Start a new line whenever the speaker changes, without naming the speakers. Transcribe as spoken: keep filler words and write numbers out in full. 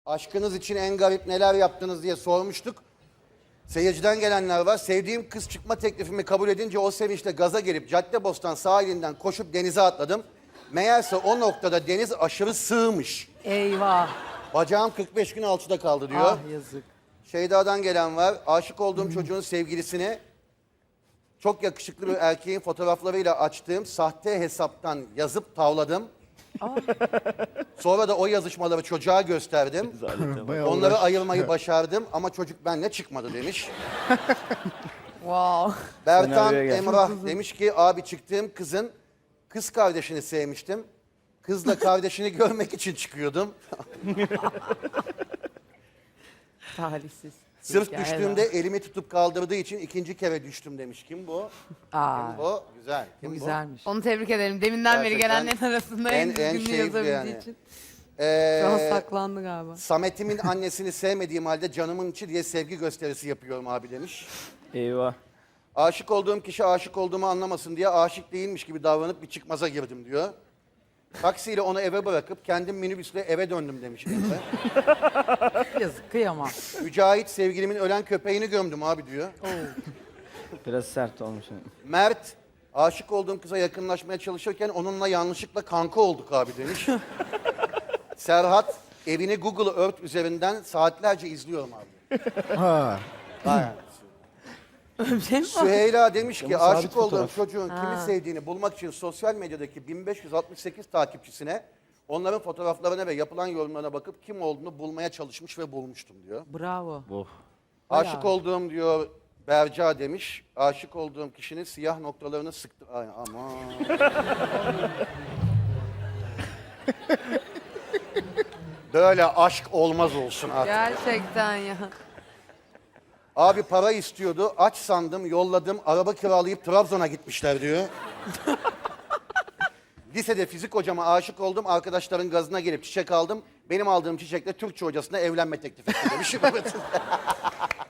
Aşkınız için en garip neler yaptınız diye sormuştuk. Seyirciden gelenler var. Sevdiğim kız çıkma teklifimi kabul edince o sevinçle gaza gelip Caddebostan sahilinden koşup denize atladım. Meğerse o noktada deniz aşırı sığmış.
Eyvah.
Bacağım kırk beş gün alçıda kaldı diyor.
Ah yazık.
Şeyda'dan gelen var. Aşık olduğum çocuğun sevgilisini çok yakışıklı bir erkeğin fotoğraflarıyla açtığım sahte hesaptan yazıp tavladım. Sonra da o yazışmaları çocuğa gösterdim. Onları ayırmayı başardım ama çocuk benimle çıkmadı demiş.
Wow.
Bertan
Senaryoya gel.
Emrah demiş ki abi çıktığım kızın kız kardeşini sevmiştim. Kızla kardeşini görmek için çıkıyordum.
Talihsiz.
Sırf
Hikaye
düştüğümde
var.
elimi tutup kaldırdığı için ikinci kere düştüm demiş. Kim bu?
Aa,
Kim bu? Güzel. Kim
bu
bu?
güzelmiş.
Onu tebrik ederim. Deminden beri
Gerçekten
gelenlerin arasında
en-
en,
en
düzgününü
şeydi
yazabildiği
yani.
için.
Ee,
Şu an saklandı galiba.
Samet'imin annesini sevmediğim halde canımın içi diye sevgi gösterisi yapıyorum abi demiş.
Eyvah.
Aşık olduğum kişi aşık olduğumu anlamasın diye aşık değilmiş gibi davranıp bir çıkmaza girdim diyor. Taksiyle onu eve bırakıp kendim minibüsle eve döndüm demiş Emre.
Yazık kıyamam.
Mücahit sevgilimin ölen köpeğini gömdüm abi diyor.
Biraz sert olmuş.
Mert aşık olduğum kıza yakınlaşmaya çalışırken onunla yanlışlıkla kanka olduk abi demiş. Serhat evini Google Earth üzerinden saatlerce izliyorum abi.
Ha.
Bayağı.
Bir şey mi var?
Süheyla demiş ki
Ama sabit
aşık olduğum
fotoğraf.
çocuğun kimi sevdiğini bulmak için sosyal medyadaki bin beş yüz altmış sekiz takipçisine onların fotoğraflarına ve yapılan yorumlarına bakıp kim olduğunu bulmaya çalışmış ve bulmuştum diyor.
Bravo.
Oh.
Aşık olduğum diyor Berca demiş. Aşık olduğum kişinin siyah noktalarını sıktı. Ay aman. Böyle aşk olmaz olsun artık.
Gerçekten ya.
Abi para istiyordu. Aç sandım, yolladım. Araba kiralayıp Trabzon'a gitmişler diyor. Lisede fizik hocama aşık oldum. Arkadaşların gazına gelip çiçek aldım. Benim aldığım çiçekle Türkçe hocasına evlenme teklif etti demiş.